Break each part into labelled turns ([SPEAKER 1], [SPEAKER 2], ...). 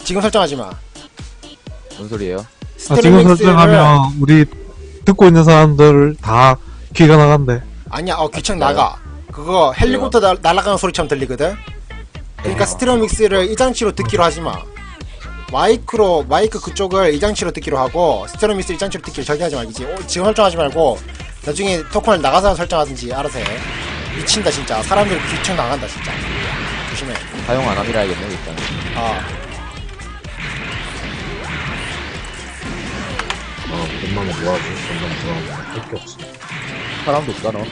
[SPEAKER 1] 지금 설정하지 마.
[SPEAKER 2] 뭔 소리예요?
[SPEAKER 3] 지금 설정하면 우리 듣고 있는 사람들 다 귀가 나간대.
[SPEAKER 1] 아니야, 귀청 나가. 그거 헬리콥터 날아가는 소리처럼 들리거든? 그러니까 스테레오 믹스를 이 장치로 듣기로 하지 마. 마이크 그쪽을 이 장치로 듣기로 하고, 스테레오 믹스 이 장치로 듣기로 절대 하지 말기지. 지금 설정하지 말고, 나중에 토큰을 나가서 설정하든지 알아서 해. 미친다, 진짜. 사람들 귀청 나간다, 진짜. 조심해.
[SPEAKER 2] 사용 안 함이라 해야겠네, 일단.
[SPEAKER 4] 돈만 모아줘. 돈만 모아줘. 할게 없어.
[SPEAKER 2] 사람도 없다, 너.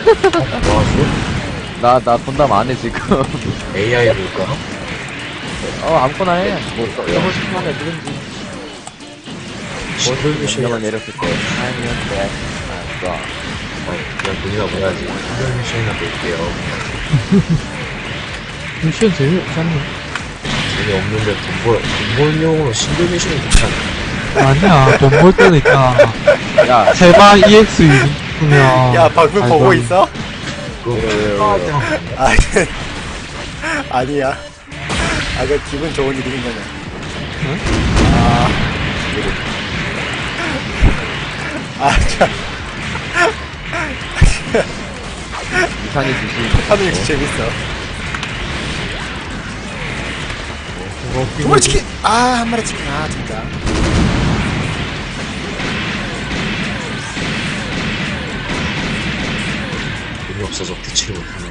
[SPEAKER 4] 모아줘?
[SPEAKER 2] 나 본담 안 해, 지금.
[SPEAKER 4] AI 볼까?
[SPEAKER 2] 아무거나 해. 뭐, 해보고 싶은 거 해주든지.
[SPEAKER 4] 신들미션이야.
[SPEAKER 2] 내렸을 때. 아니면 돼. 좋아.
[SPEAKER 4] 그냥 돈이나 모아야지. 신들미션이나 볼게요.
[SPEAKER 3] 미션 재미없잖니.
[SPEAKER 4] 재미없는데 돈 벌용으로 신들미션이 좋잖아.
[SPEAKER 3] 아니야, 돈 벌 때는 있잖아.
[SPEAKER 2] 야,
[SPEAKER 3] 세방 EX 유니면.
[SPEAKER 1] 야, 방금 보고 있어? 아니야. 그 기분 좋은 일인 거냐.
[SPEAKER 3] 응?
[SPEAKER 1] 참.
[SPEAKER 2] 이상해지지.
[SPEAKER 1] 하는 게 재밌어. 두 마리 치킨! 한 마리 치킨. 진짜.
[SPEAKER 4] 돈이 없어서 부치를 못하네.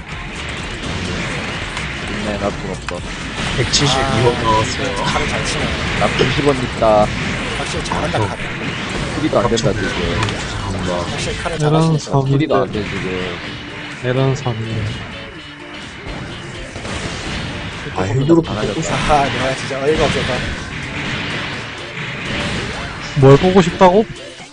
[SPEAKER 2] 있네, 나돈 없어.
[SPEAKER 4] 172원 나왔어요.
[SPEAKER 1] 칼을 잘 치네.
[SPEAKER 2] 나 90원 있다.
[SPEAKER 1] 확실히 잘한다, 칼을.
[SPEAKER 2] 수리도 안 된다, 지금.
[SPEAKER 4] 죄송합니다.
[SPEAKER 1] 확실히 칼을
[SPEAKER 3] 이런
[SPEAKER 1] 잘하시네.
[SPEAKER 2] 수리도 안
[SPEAKER 3] 섬인데.
[SPEAKER 2] 돼, 지금.
[SPEAKER 3] 이런 섬이네.
[SPEAKER 4] 힘들어
[SPEAKER 2] 안 하려고.
[SPEAKER 1] 내가 진짜 어이가 없어서.
[SPEAKER 3] 뭘 보고 싶다고?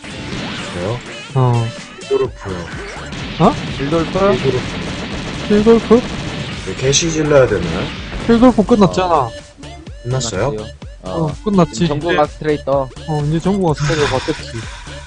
[SPEAKER 4] 저요? 골프요.
[SPEAKER 2] 빌돌프?
[SPEAKER 3] 필골프?
[SPEAKER 4] 개시 질러야 되나요?
[SPEAKER 3] 필골프 끝났잖아.
[SPEAKER 4] 끝났어요?
[SPEAKER 3] 끝났지.
[SPEAKER 2] 전국 아스트레이터.
[SPEAKER 3] 이제 전국 어스트레이가 바뀌었지.